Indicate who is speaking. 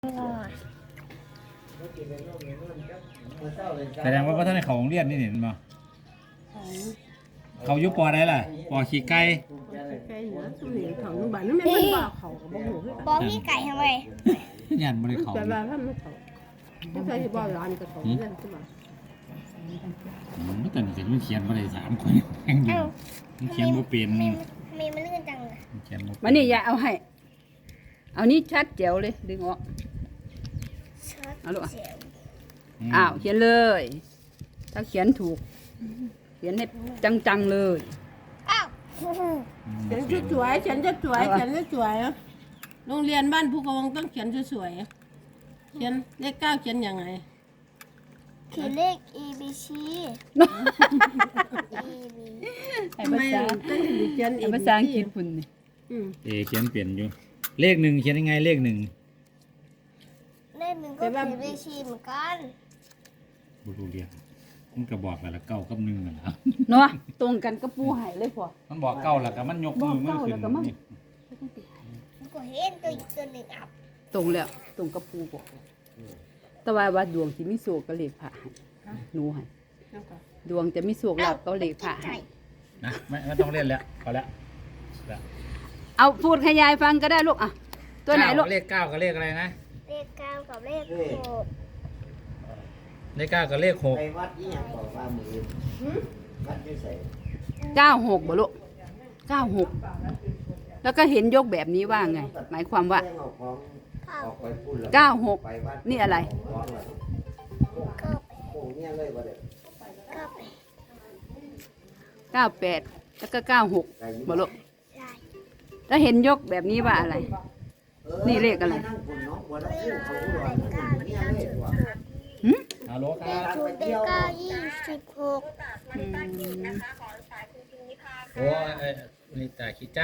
Speaker 1: แสดงว่าท่านในเขาโรงเรียนนี่เห็นมั้ยเขายุปอได้ล่ะปอขี้ไก่
Speaker 2: ไก่เหรอสมัยของบ้านนั่นแม่เป็นบ่าวเขากับบ่หูคือกัน
Speaker 3: บอพี่ไก่ทำไม
Speaker 1: ยันบริเขา
Speaker 2: แต่ว่าถ้ามันเขาไม่เคยบ่าวร้านกับเขาเล่นใช่ไหม
Speaker 1: ไม่แต่นี่มันเขียนมาได้3 คนแข่งอยู่มันเขียนบ่เป็น
Speaker 3: มีมันลื่นจังเลย
Speaker 1: เขียนบ่
Speaker 2: มานี่อย่าเอาให้เอานี่ชัดแจ๋วเลยดึงออก เอาลูก
Speaker 3: เสียว
Speaker 2: อ้าวเขียนเลย ถ้าเขียนถูก เขียนให้จังๆเลย
Speaker 3: อ้าว
Speaker 2: เขียนสวยๆเขียนสวยๆเขียนสวยๆโรงเรียนบ้านภูกระวงต้องเขียนสวยๆเขียนเลข 9เขียนยังไง
Speaker 3: เขียนเลข E B C E B
Speaker 2: ทำไมต้องเขียนภาษาอังกฤษคุณนี่
Speaker 1: เขียนเปลี่ยนอยู่เลข1เขียนยังไงเลข1
Speaker 3: เลขหนึ่งก็เขียนเลขชีเหมือนกัน
Speaker 1: บ่รู้เรียนมันก็บอกแล้ว9กับ1นั่นล่ะ
Speaker 2: เนาะตรงกันก็ปูให้เลยพอ
Speaker 1: มันบอก9แล้วก็มันยกมือมันขึ้น
Speaker 3: มันก็เห็นตัวอีกตัวหนึ่งอับ
Speaker 2: ตรงแล้วตรงกับปูบอกแต่ว่าดวงที่มีโศกก็เลขพระให้หนูให้ดวงจะมีโศกหลับก็เลขพระให้
Speaker 1: นะไม่ต้องเล่นแล้วพอแล้ว
Speaker 2: เอาพูดขยายฟังก็ได้ลูกอ่ะตัวไหนลูก
Speaker 1: เลข9กับเลขอะไรนะ
Speaker 3: เลขเก้ากับเลขหก
Speaker 1: เลข9กับเลข6
Speaker 4: ไปวัดนี่ยังบอกว่ามือวัดที่ใส่
Speaker 2: 96บ่ลูก96แล้วก็เห็นยกแบบนี้ว่าไง หมายความว่า
Speaker 4: เรื่องเอาของออกไปพูดแล้วไปวัด
Speaker 2: 96นี่อะไร
Speaker 4: ของอะไร
Speaker 3: เก้า
Speaker 4: โอ้เนี่ยเลยว่าเด็ก
Speaker 3: เก้าแปด
Speaker 2: 98แล้วก็96บ่ลูก
Speaker 3: ใช่
Speaker 2: ถ้าเห็นยกแบบนี้ว่าอะไร นี่เลขอะไร
Speaker 4: นั่งคนน้องบัวแล้วพูดเขาอุดรนั่งคนเนี่ยเลยว่า
Speaker 2: หึ
Speaker 1: ฮัลโหลค
Speaker 3: เล
Speaker 1: รับ
Speaker 3: ขศูนย์เลขเก้า26
Speaker 2: อืม
Speaker 1: โอ้ยนี่ตาคิดจ้า